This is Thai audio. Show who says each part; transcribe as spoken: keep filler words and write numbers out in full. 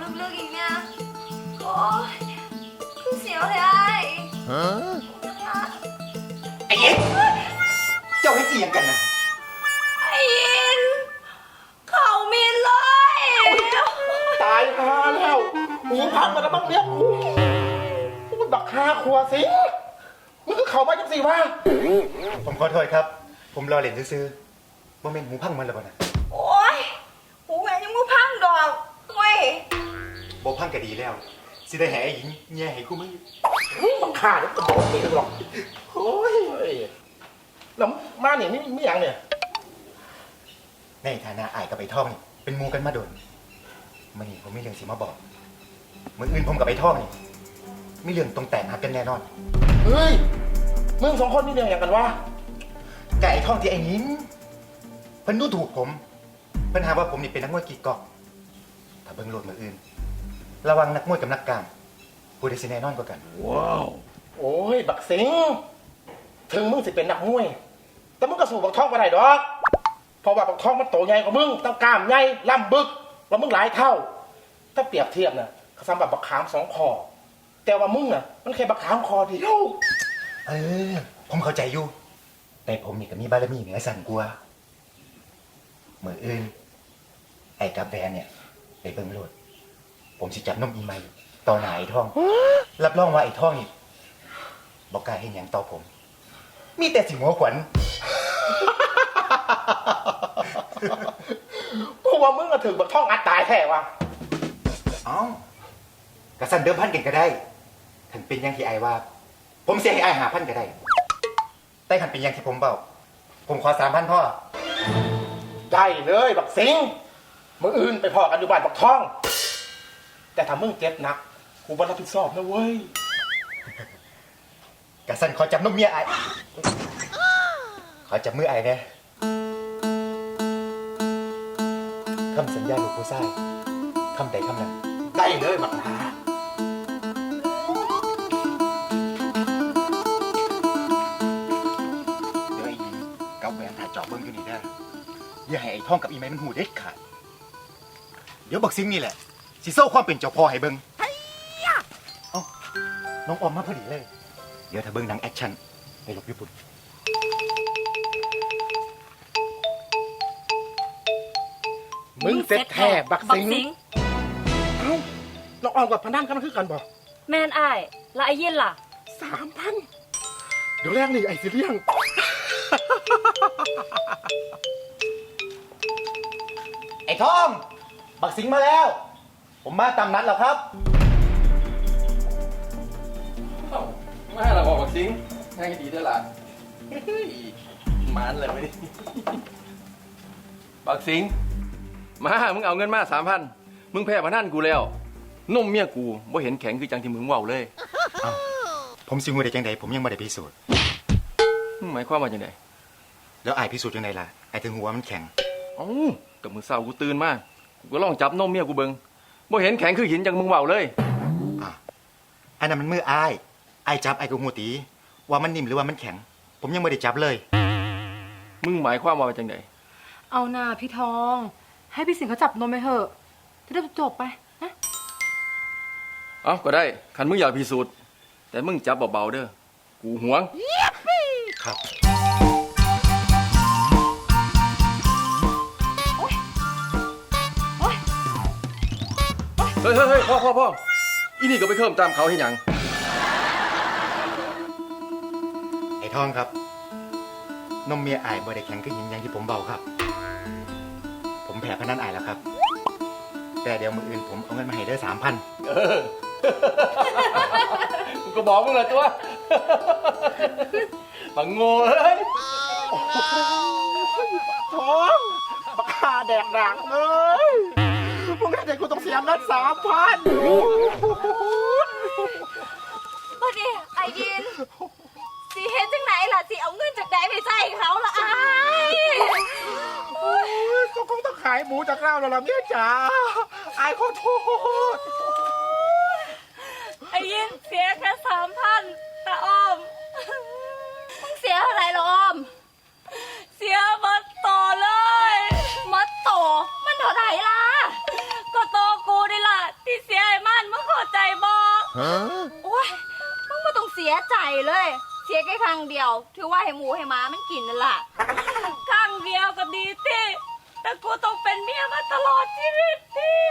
Speaker 1: ลึกๆอีกเนี่ยโอ้ยคือเสียวเลยไอ้ฮะ
Speaker 2: ไอ้ยินเจ้าให้จียังกันนะ
Speaker 1: ไอ้ยินเขามินเลย
Speaker 3: ตายฮาแล้วหูพังมาแล้วบ้างเนี่ยมันบักฮาครัวสิมึงก็เข้ามาจังสิวะ
Speaker 2: ผมขอโทษครับ ผมรอเล่นซื้อๆว่าเป็นหูพังมันหรือเปล่านะ
Speaker 1: โอ้ยหูแม่ยังมูพังดอกเว้ย
Speaker 2: โบพังก็ดีแล้ว สิได้แห่ไอ้หญิงแย่ให้คู่มือ
Speaker 3: บักฮาเนี่ยมันบอกไม่ได้หรอกโอ้ยแล้วมาเนี่ยนี่ไม่ยังเนี่ย
Speaker 2: ในฐานะอายกับไอ้ท่องนี่เป็นหมูกันมาโดนมันนี่ผมมีเรื่องสิมาบอกเมื่ออื่นผมกับไอ้ท่องนี่มีเรื่องตรงแต่งหักกันแน่นอน
Speaker 3: เฮ้ยมึงสองคนนี่เรื่องอย่างกันวะ
Speaker 2: แต่ไอ้ท่องที่ไอ้หญิงเพิ่นดูถูกผมเพิ่นหาว่าผมนี่เป็นนักมวยกีกอกถ้าเบิ่งโลดมืออื่น ระวังนักมวยกับนักกามผู้ใดสิแน่นอนกว่ากัน
Speaker 3: ว้าวโอ้ยบักสิงถึงมึงสิเป็นนักมวยแต่มึงก็สู้บักทองไม่ได้ดอกเพราะว่าบักทองมันโตใหญ่กว่ามึงตั้งกล้ามใหญ่ล่ำบึกแล้วมึงหลายเท่า ถ้าเปรียบเทียบน่ะเขาสำหรับบักขามสองคอแต่ว่ามึงน่ะมันแค่บักขามคอเดียว
Speaker 2: เออ ผมเข้าใจอยู่ แต่ผมนี่ก็มีบารมีเหนือสั่นกว่ามืออื่น ไอ้กับแวนเนี่ยไปเบิ่งโลด ผมสิจับนมอีไม้ต่อหน้าไอ้ท่อง รับรองว่าไอ้ท่องนี่บอกกล้าเห็นอย่างต่อผม มีแต่สิหัวขวัญ
Speaker 3: เพราะว่ามึงก็ถึงบักทองอัดตายแท้วะ
Speaker 2: เอ้ากระสันเดิมพันกันก็ได้ถึงเป็นอย่างที่ไอ้ว่า ผมเสียให้ไอ้หาพันก็ได้ แต่ขันเป็นอย่างที่ผมเบาผมขอสามพันพ่อ
Speaker 3: ได้เลยบักสิงมึงอื่นไปพอกันอยู่บ้านบักทอง แต่ถ้ามึงเจ็บหนักกูบ่รับผิดชอบนะเว้ย
Speaker 2: กระสันขอจับนมเมียไอ้ขอจับมือไอ้เนี่ยคำสัญญาลูกผู้ชายคำใดคำนั้น
Speaker 3: ได้เลยบักหา
Speaker 2: เดี๋ยวไอ้ยิงกับแหวนถ่ายจอบเบิ้งอยู่นี่ได้ออย่าให้ไอ้ท่องกับอีไม้มันหูเด็ดขาดเดี๋ยวบักซิงนี่แหละสิโซ่ความเป็นเจ้าพ่อให้เบิ้งเอ้าน้องออมมาพอดีเลย เดี๋ยวถ้าเบิ้งหนังแอคชั่นไปหลบญี่ปุ่น
Speaker 3: มึงเสร็จแท้บักสิงเอ้าเราออกกับพนันกันคือกันบอก
Speaker 1: แม่นไอ้และไอ้ยินล่ะ
Speaker 3: สามพันเดี๋ยวแรกนี่ไอ้สิเลี้ยง
Speaker 2: ไอ้ท่อง บักซิงมาแล้ว ผมมาตามนัดแล้วครับ
Speaker 4: มาเราบอกบักซิงง่ายดีด้วยล่ะเฮ้ยมันเลยไม่ได้บักซิงมามึงเอาเงินมาสามพันมึงแพ้พนันกูแล้วนมเมียกูบ่เห็นแข็งคือจังที่มึงเว้าเลย
Speaker 2: เอ้าผมสิงูได้จังใดผมยังไม่ได้พิสูจน์
Speaker 4: มึงหมายความว่าจังได
Speaker 2: แล้วไอ้พิสูจน์จังใดล่ะไอ้ถึงหัวมันแข็ง
Speaker 4: เอ้ากับมึงเศร้ากูตื่นมากูก็ลองจับนมเมียกูเบิ่งบ่เห็นแข็งคือหินจังมึงเว้าเลย
Speaker 2: อ่ะอันนั้นมันมืออ้ายอ้ายจับไอ้กูหูตีว่ามันนิ่มหรือว่ามันแข็ง ผมยังไม่ได้จับเลย
Speaker 4: มึงหมายความว่าจังได
Speaker 5: เอาหน่าพี่ทอง ให้พี่สิงห์เขาจับนมไปเถอะจะได้จบไปนะ
Speaker 4: เอ้าก็ได้คันมึงอยากพิสูจน์แต่มึงจับเบาๆเด้อกูหวง
Speaker 2: ครับ
Speaker 4: เฮ้ยเฮ้ยเฮ้ยพ่อพ่อพ่ออีนี่ก็ไปเพิ่มตามเขาให้หยัง
Speaker 2: ไอ้ทองครับ นมเมียอายบ่ได้แข็งขึ้นยิงอย่างที่ผมเบาครับ ผมแพ้พนันอายแล้วครับ แต่เดี๋ยวมืออื่นผมเอาเงินมาให้เด้อสามพัน
Speaker 4: เออ กูก็บอกมึงเลยตัวบังโง่เลย
Speaker 3: ท้องบักฮาแดกดังเลยมึงได้ใจกูต้องเสียเงินสามพัน
Speaker 1: บัดนี้ไอ้ยินสิเฮ็ดจังไหนล่ะสิเอาเงินจากไหนไปใส่เขาล่ะไอ้โอ้ย
Speaker 3: ก็คงต้องขายหมูจากเราแล้วล่ะเมียจ๋าไอ้ขอโทษ
Speaker 1: ไอ้ยินเสียแค่สามพันแต่ออมมึงเสียเท่าไหร่หรอออม เสียหมดต่อเลยหมดต่อมันเท่าไหร่ล่ะ ก็โตกูนี่ล่ะที่เสียใจเลย เสียแค่ครั้งเดียว ถือว่าให้หมูให้หมามันกินนั่นล่ะครั้งเดียวก็ดีติแต่กูต้องเป็นเมียมาตลอดชีวิตติ